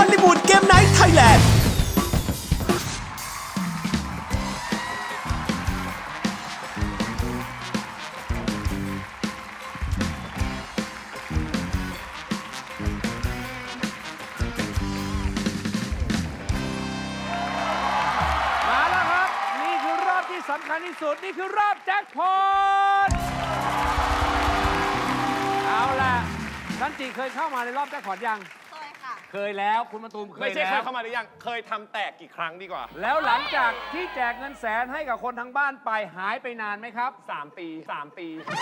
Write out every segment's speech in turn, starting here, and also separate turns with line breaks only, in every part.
อลลีวูดเกมไนท์ไทยแลนด์
มาแล้วครับ นี่คือรอบที่สำคัญที่สุด นี่คือรอบแจ็คพอตเอาล่ะท่านจีเคยเข้ามาในรอบแจ็คพอตยัง
เคยค่ะ
เคยแล้วคุณมาตูมเคย
ไม่ใช่เค
แล้
ยว เข้ามาหรือยัง เคยทำแตกกี่ครั้งดีกว่า
แล้วหลังจากที่แจกเงินแสนให้กับคนทั้งบ้านไปหายไปนานไหมครับ
3 ปี 3 ปี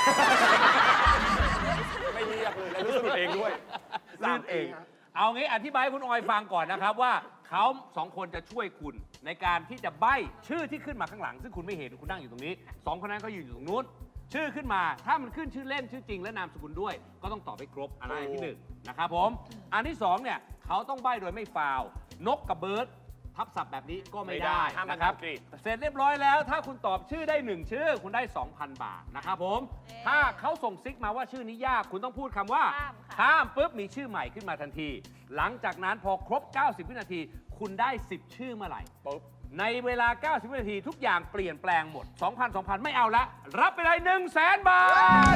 ไม่เรียกเลยแล้วรู้สึกเองด้วย
ลื่นเอง เอางี้อธิบายให้คุณออยฟังก่อนนะครับว่าเขาสองคนจะช่วยคุณในการที่จะใบ้ชื่อที่ขึ้นมาข้างหลัง ซึ่งคุณไม่เห็นคุณนั่งอยู่ตรงนี้สองคนนั้นเขายืนอยู่ตรงนู้นชื่อขึ้นมาถ้ามันขึ้นชื่อเล่นชื่อจริงและนามสกุลด้วย ก็ต้องตอบให้ครบอันนั้นอันที่หนึ่งนะครับผมอันที่สองเนี่ยเขาต้องใบ้โดยไม่ฟาวนกกับเบิร์ดทับศัพท์แบบนี้ก็ไม่ได้
ห้ามมัน
นะครับ
อังกฤษ
เสร็จเรียบร้อยแล้วถ้าคุณตอบชื่อได้1ชื่อคุณได้ 2,000 บาทนะครับผมถ้าเขาส่งซิกมาว่าชื่อนี้ยากคุณต้องพูดคำว่า
ข้ามค่ะ
ข้ามปุ๊บมีชื่อใหม่ขึ้นมาทันที หลังจากนั้นพอครบ 90 วินาที คุณได้ 10 ชื่อเมื่อไหร่
ปุ๊บ
ในเวลา 90 วินาทีทุกอย่างเปลี่ยนแปลงหมด 2,000 ไม่เอาละ รับไปเลย 100,000 บาท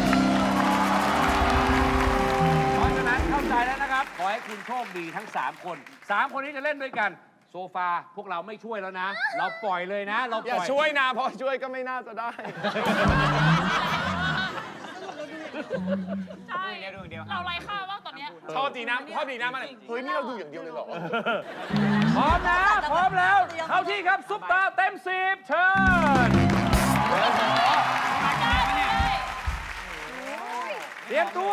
เพราะฉะนั้นเข้าใจแล้วนะครับ ขอให้คุณโชคดีทั้ง 3 คน 3 คนนี้จะเล่นด้วยกัน โซฟาพวกเราไม่ช่วยแล้วนะ เราปล่อยเลยนะ เรา
อ
ป
ย่า
ล่อย
ช่วยนะ เพราะช่วยก็ไม่น่าจะได้
ใช่เราไร้ค่ามากตอนเนี้ย
ชอบดีนะชอบดีนะมันเฮ้ย นี่เราดูอย่างเดียวเลยเหรอ
พร้อมนะพร้อมแล้ว เข้าที่ครับ ซุปตาเต็ม10เชิญเตรียมตัว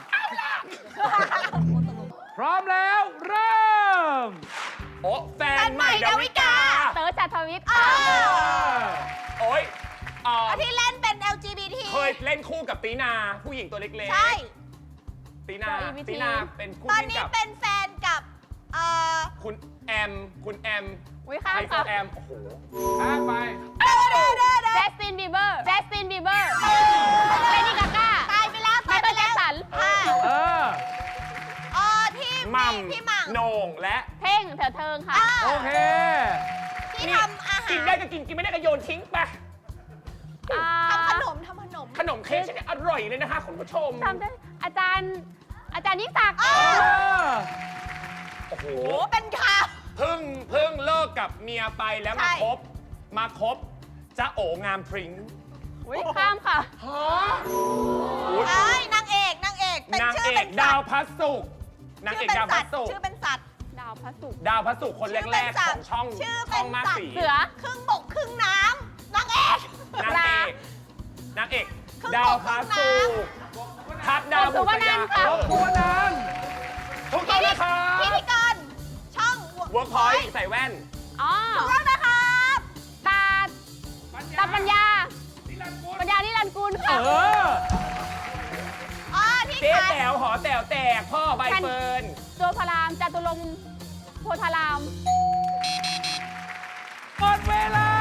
พร้อมแล้วเริ่ม
โอ้แฟนใหม่ดาวิกา
เต๋อจัดทวิต
โอ้ย
ที่เล่นเป็น LGBT
เคยเล่นคู่กับตีนา ผู้หญิงตัวเล็กๆ
ใช่
ตีนา
LGBT
ตีนาเป็นคู่
ตอน
จิ้น
นี้
กับ
เป็นแฟนกับ
คุณแอม คุณแอม
วิ
ไฮ
ข้าม
โซ
ค่ะ
แอม โอ้โห
ข้ามไป
เจสตินบีเบอร์เจสตินบีเบอร์เลดี้กาก้าตายไปแล้วตายไปแล้วสันค่ะ
เออ
ที่
มัม
พี่หม่ำ
โหน่งและ
เท่งเถิดเทิงค่ะ
โอเค
ที่ทำอาหาร
กินได้ก็กิน กินไม่ได้ก็โยนทิ้งไป
ทำขนม
ขนมเค้กฉันอร่อยเลยนะคะคุณผู้ชม
ทำได้อาจารย์ยิ่งศักดิ์
เออ
โอ้โห
โอ้เป็นข่าว
เพิ่งเลิกกับเมียไปแล้ว
ใช่
มาคบจะโองามพริ้ง
ข้ามค่ะ
ฮะ
ไอ้นางเอกเป็น
นาง
ชื่อ
เอ
เป็
ก
น
ดา
สั
ว
ตว์
พระศุกร์นางเอกดาวพระศุกร์
ชื่อเป็นสัตว์ดาวพระศุกร์
ดาวพระศุกร์คนแรกๆของช่อง
ชื่อ
ช่
เป็
อน งมาก
สัต
สี
ว์เสือครึ่งบกครึ่งน้ำนางเอก
นางเอกดาวพระศุกร์ทัดดาวบุษยา
ตัวนั้น
ถูกต้องนะครับ
พิธีกรช่อง
เวิร์กพอยต์ใส่แว่น
อ๋อถูกต้องนะครับตาปัญญานิรันดร์กุล
เอ
ค่ะ
อ
ที่
เจ๊
ขาย
แต๋วหอแต๋วแตกพ่อใบเฟิร์น
ตัวพารามจตุรงค์โพธาราม
หมดเวลา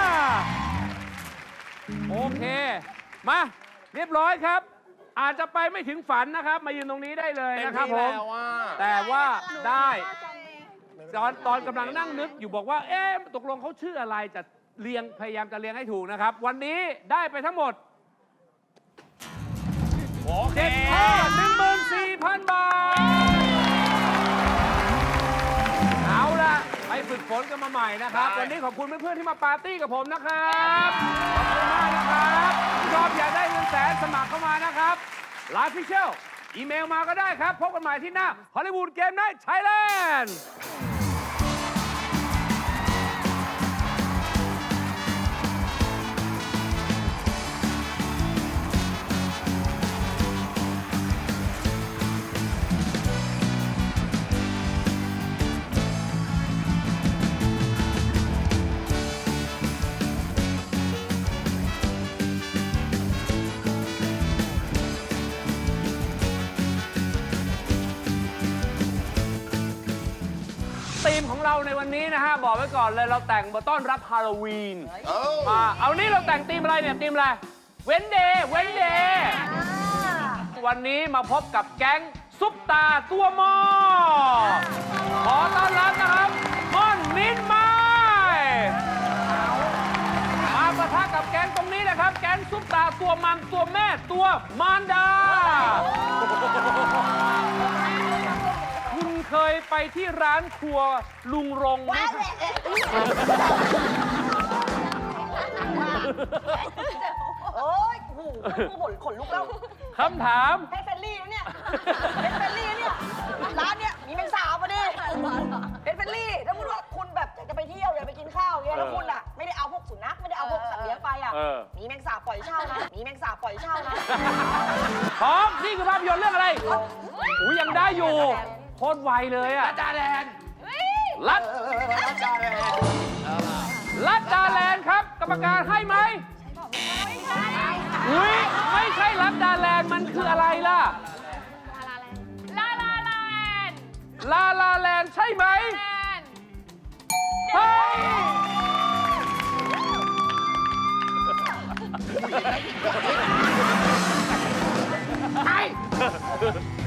โอเค มาเรียบร้อยครับ อาจจะไปไม่ถึงฝันนะครับ มายืนตรงนี้ได้เลยนะครับผม แต่ว่าได้ตอนกำลังนั่งนึกอยู่บอกว่า เอ๊ะตกลงเขาชื่ออะไรจะพยายามจะเรียงให้ถูกนะครับ วันนี้ได้ไปทั้งหมด
โอเค
7 ข้อ 14,000 บาท เอาล่ะ ไปฝึกฝนกันมาใหม่นะครับ วันนี้ขอบคุณเพื่อนๆที่มาปาร์ตี้กับผมนะครับ ขอบคุณมากนะครับชอบอยากได้เงินแสนสมัครเข้ามานะครับไลฟ์ฟิเชียลอีเมลมาก็ได้ครับ พบกันใหม่ที่หน้าฮอลลีวูดเกมไนท์ไทยแลนด์ธีมของเราในวันนี้นะฮะ บอกไว้ก่อนเลยเราแต่งมาต้อนรับฮาโลวีนเอานี่เราแต่งธีมอะไรเนี่ยธีมอะไรเว้นเดย์วันนี้มาพบกับแก๊งซุปตาตัวหมอขอต้อนตัวมารดา คุณเคยไปที่ร้านครัวลุงรงไหมครับ
โอ้ยโอ้โหผู้ขนลุกแล้ว
คำถาม
เพชรเฟรนลี่นะเนี่ยเพชรเฟรนลี่เนี่ย ร้านเนี่ยมีแมงสาบมาดิเพชรเฟรนลี่ถ้าพูดว่าคุณแบบอยากจะไปเที่ยวอยากไปกินข้าวเงี้ยแล้วคุณอ่ะไม่ได้เอาพวกสุนัขไม่ได้เอาพวกสัตว์เลี้ยงไปอ่ะ มีแมงสาบปล่อยเช่านะ มีแมงสาบปล่อยเช่านะ
พร้อมนี่คือภาพยนตร์เรื่องอะไรอุ้ยยังได้อยู่โคตรไวเลยอะ
จาแลนด์
ลัด
จาแลนด์
ลัดดาแลนด์ครับ กรรมการให้ไหมอุ้ยไม่ใช่ลัดดาแลนด์มันคืออะไรล่ะ
ลาลาแลนด์
ลาลาแลนด์ใช่ไหม
แลนด์
เฮ้ย
ไอ้